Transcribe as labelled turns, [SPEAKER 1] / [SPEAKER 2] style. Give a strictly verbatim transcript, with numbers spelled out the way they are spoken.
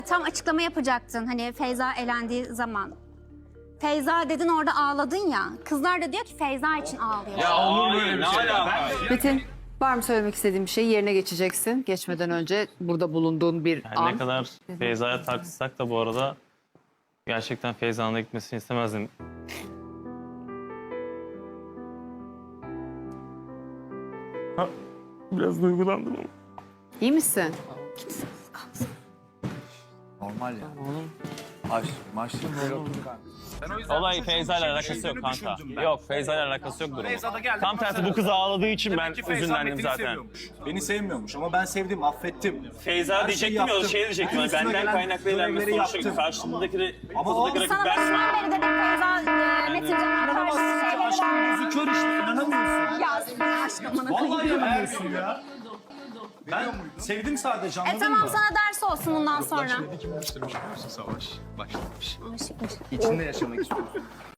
[SPEAKER 1] Tam açıklama yapacaktın hani Feyza elendiği zaman. Feyza dedin orada ağladın ya. Kızlar da diyor ki Feyza için ağlıyor.
[SPEAKER 2] Ya olur böyle bir şey.
[SPEAKER 3] Metin, var mı söylemek istediğin bir şey? Yerine geçeceksin. Geçmeden önce burada bulunduğun bir
[SPEAKER 4] Yani
[SPEAKER 3] an.
[SPEAKER 4] ne kadar Feyza'ya tartışsak da bu arada gerçekten Feyza'nın da gitmesini istemezdim. Ha, biraz duygulandım ama.
[SPEAKER 3] İyi misin?
[SPEAKER 2] Normal ya. Maç, maçta böyle oturdu kanka.
[SPEAKER 4] Olay Feyza ile alakası yok kanka. Yok Feyza ile alakası yok durumu. Tam tersi bu kız ağladığı için ben üzünlendim zaten.
[SPEAKER 5] Beni sevmiyormuş ama ben sevdim, affettim.
[SPEAKER 4] Feyza
[SPEAKER 5] Her
[SPEAKER 4] diyecektim
[SPEAKER 5] şeyi
[SPEAKER 4] ya,
[SPEAKER 5] yaptım.
[SPEAKER 4] şey diyecektim.
[SPEAKER 5] En üstüne
[SPEAKER 4] Benden
[SPEAKER 5] gelen
[SPEAKER 4] kaynaklı eğlenmesi
[SPEAKER 5] görevleri
[SPEAKER 4] sonuçta
[SPEAKER 5] yaptım.
[SPEAKER 4] karşımdaki
[SPEAKER 5] Ama o
[SPEAKER 4] ortadaki
[SPEAKER 1] Sana
[SPEAKER 4] rakip ben.
[SPEAKER 1] başından beri dedim Feyza e, Metin Can'a karşı
[SPEAKER 5] İnanamazsın ki
[SPEAKER 1] şeyleri
[SPEAKER 5] aşkın
[SPEAKER 1] var.
[SPEAKER 5] gözü kör işte, inanamıyorsun.
[SPEAKER 1] Ya senin aşkın bana
[SPEAKER 5] Vallahi
[SPEAKER 1] koyayım.
[SPEAKER 5] inanamıyorsun ya. Ben sevdim sadece, anladın
[SPEAKER 1] E tamam
[SPEAKER 5] mı?
[SPEAKER 1] sana ders olsun bundan sonra.
[SPEAKER 2] Kim başlamış biliyor musun? Savaş başlamış.
[SPEAKER 1] Aşıkmış.
[SPEAKER 2] İçinde yaşamak istiyorsun.